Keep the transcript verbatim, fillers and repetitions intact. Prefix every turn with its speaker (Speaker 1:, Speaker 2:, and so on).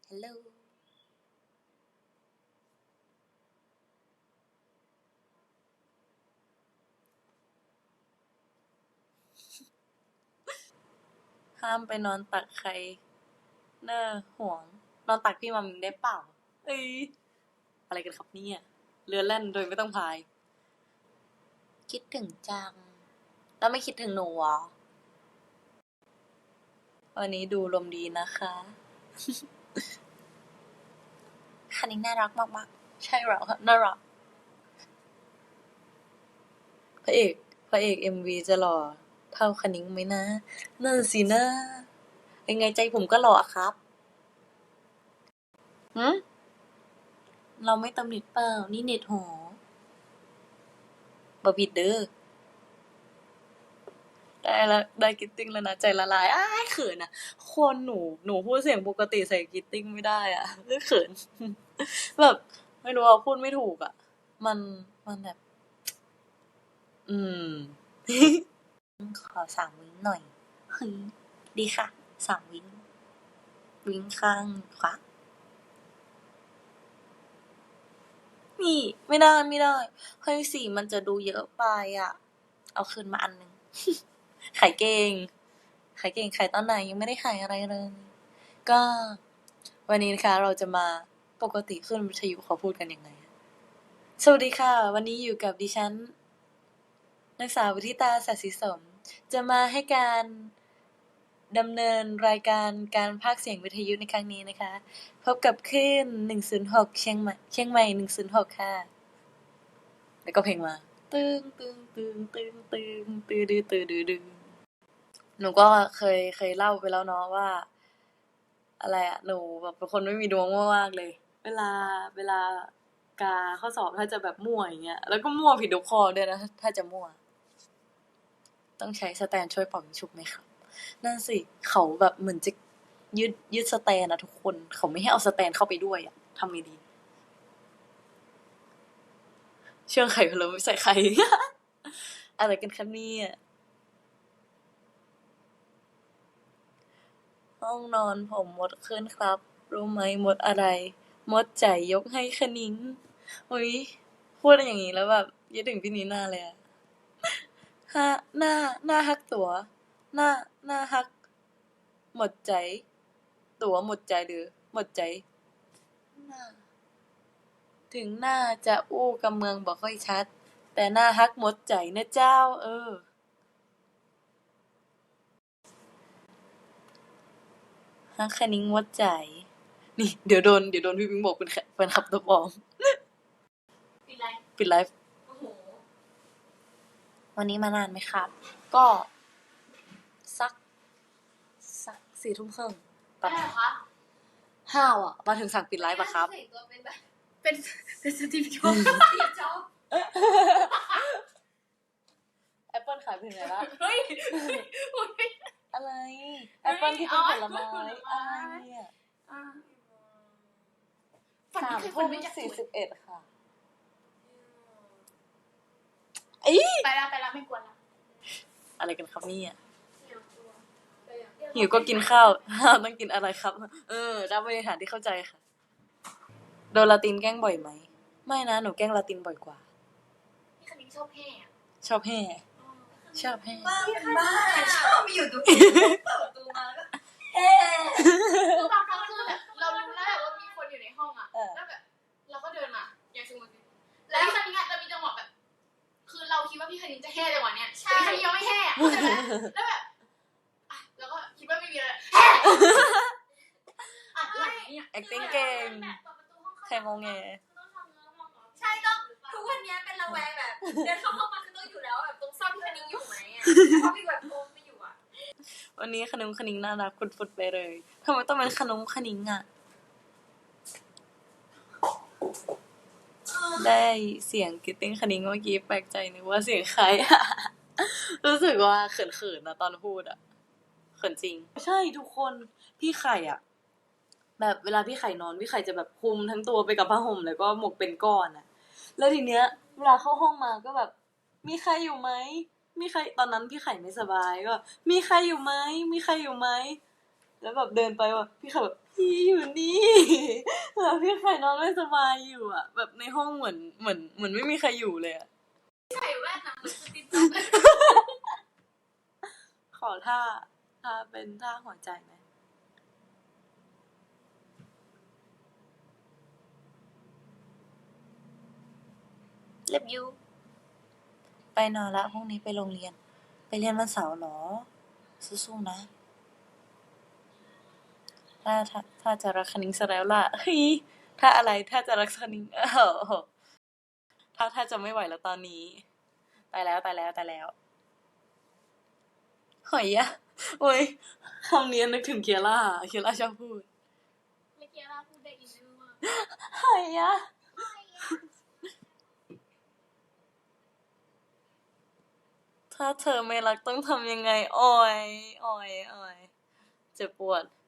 Speaker 1: ฮัลโหลห้ามไปนอนตักใครเน้อห่วงนอนตักพี่มัมได้เปล่าเอ้ยอะไรกันครับเนี่ยเรือแล่นโดยไม่ต้องพายคิดถึงจังแล้วไม่คิดถึงหนูเหรอวันนี้ดูลมดีนะคะคันนี้น่ารักมากๆใช่เหรอน่ารักพระเอกพระเอกเอ็มวีจะหล่อเท่าคณิ้งไหมนะนั่นสินะยังไงใจผมก็หล่อครับหืมเราไม่ตำหนิเปล่านี่เน็ตหอบบิดเด้อได้แล้วได้กิตติ้งแล้วนะใจละลายอ้ายเขินอ่ะคนหนูหนูพูดเสียงปกติใส่กิตติ้งไม่ได้อ่ะเขินแบบไม่รู้ว่าพูดไม่ถูกอ่ะมันมันแบบอืมขอสามวิ้งหน่อยเฮ้ยดีค่ะสามวิ้งวิ้งข้างขวานี่ไม่ได้ไม่ได้เฮ้ยสีมันจะดูเยอะไปอ่ะเอาคืนมาอันนึงขายเก่งขายเก่งขายตอนไหนยังไม่ได้ขายอะไรเลยก็วันนี้นะคะเราจะมาปกติขึ้นวิทยุเขาพูดกันยังไงสวัสดีค่ะวันนี้อยู่กับดิฉันนางสาววิธิตาสัตย์ศรีสมจะมาให้การดำเนินรายการการพากย์เสียงวิทยุในครั้งนี้นะคะพบกับคลื่นหนึ่งศูนย์หกเชียงใหม่เชียงใหม่หนึ่งศูนย์หกค่ะแล้วก็เพลงมาตึงตึงตึงตึงตึงตึงดื้อตึงดื้อดื้อหนูก็เคยเคยเล่าไปแล้วเนาะว่าอะไรอะหนูแบบเป็นคนไม่มีดวงมากๆเลยเวลาเวลากาข้อสอบถ้าจะแบบมั่วอย่างเงี้ยแล้วก็มั่วผิดทุกข้อด้วยนะถ้าจะมั่วต้องใช้สแตนช่วยเป่ายิงฉุบไหมครับนั่นสิเขาแบบเหมือนจะยึดยึดสแตนนะทุกคนเขาไม่ให้เอาสแตนเข้าไปด้วยอะทำไงดีเชื่องไข่พะโล้ไม่ใส่ไข่ อะไรกันครับเนี่ยห้องนอนผมมดขึ้นครับรู้ไหมมดอะไรมดใจยกให้คณิ้งอุ๊ยพูดอย่างนี้แล้วแบบยึดถึงพี่นีน่าเลยอะฮะหน้าหน้าฮักตั๋วหน้าหน้าฮักหมดใจตั๋วหมดใจหรือหมดใจหน้าถึงหน้าจะอู้กำเมืองบ่ค่อยชัดแต่หน้าฮักหมดใจนะเจ้าเออฮักคณิ้งหมดใจนี่เดี๋ยวโดนเดี๋ยวโดนพี่ปิงบอกเป็นแฟนคลับตัวปลอมปิดไลฟ์ปิดไลฟ์โอ้โหวันนี้มานานไหมครับ ก็สักสักสี่ทุ่มครึ่งปะห้าวอ่ะมาถึงสั่งปิดไลฟ์ปะครับเป็นแบบเป็นเป็นสตีฟจ็อบส์สตีฟจ็อบส์แอปเปิลขายเป็นไงล่ะเฮ้ยอะไรแอปเปิลที่เป็นผลไม้อะไรเนี่ยสามทุ่มสี่สิบเอ็ดค่ะไปละไปละไม่กวนละอะไรกันครับเนี่ยหิวก็กินข้าวต้องกินอะไรครับเออรับบริหารที่เข้าใจค่ะโดนลาตินแกล้งบ่อยไหมไม่นะหนูแกล้งลาตินบ่อยกว่าพี่คณิ้งชอบแห่ชอบแห่ชอบแห่บ้าบ้าชอบอยู่ตรงนี้เปิดประตูมาแล้วก็แห่คือบางครั้งคือแบบเรารู้แล้วว่ามีคนอยู่ในห้องอ่ะแล้วแบบเราก็เดินมาอย่างสมมติแล้วพี่คณิ้งจะมีจังหวะแบบคือเราคิดว่าพี่คณิ้งจะแห่จังหวะเนี้ยแต่พี่คณิ้งยังไม่แห่แล้วแบบแล้วก็คิดว่าไม่มีอะไรแห่อะไรเนี่ย acting เก่งใครงงแงใช่ต้องทุกวันนี้เป็นระแวงแบบเดินเข้าห้องมาคือต้องอยู่แล้วแบบตรงซ่อนพี่คณิ้งอยู่ไหมอ่ะเพราะพี่แบบโอมไม่อยู่อ่ะวันนี้ขนมคณิ้งน่ารักฟุดๆไปเลยทำไมต้องเป็นขนมคณิ้งอ่ะได้เสียงกิตติ้งคณิ้งเมื่อกี้แปลกใจนึกว่าเสียงใครรู้สึกว่าเขินๆนะตอนพูดอ่ะเขินจริงใช่ทุกคนพี่ไข่อ่ะแบบเวลาพี่ไข่นอนพี่ไข่จะแบบคลุมทั้งตัวไปกับผ้าห่มแล้วก็หมกเป็นก้อนอ่ะแล้วทีเนี้ยเวลาเข้าห้องมาก็แบบมีใครอยู่ไหมมีใครตอนนั้นพี่ไข่ไม่สบายก็มีใครอยู่ไหมมีใครอยู่ไหมแล้วแบบเดินไปแบบพี่ไข่แบบพี่อยู่นี่แล้วพี่ไข่นอนไม่สบายอยู่อ่ะ แบบในห้องเหมือนเหมือนเหมือนไม่มีใครอยู่เลยอ่ะ
Speaker 2: ใส่แว่นนะเหมือนสติ๊กเกอร์
Speaker 1: ขอท่าท่าเป็นท่าหัวใจไหมเล็บยูไปนอนละพรุ่งนี้ไปโรงเรียน ไปเรียนวันเสาร์เหรอสู้ๆนะ ถ้าถ้าถ้าจะรักคณิงซะแล้วล่ะเฮ้ยถ้าอะไรถ้าจะรักคณิงเออถ้าถ้าจะไม่ไหวแล้วตอนนี้ตายแล้วตายแล้วตายแล้วหอยอะโอ้ยคำนี้นึกถึงเคียร่าเคียร่าชอบพูด
Speaker 2: เมื่อกี้เราพูดได้อินเนอร์มาก
Speaker 1: หอยอะถ้าเธอไม่รักต้องทำยังไงอ่อยอ่อยอ่อยเจ็บปวด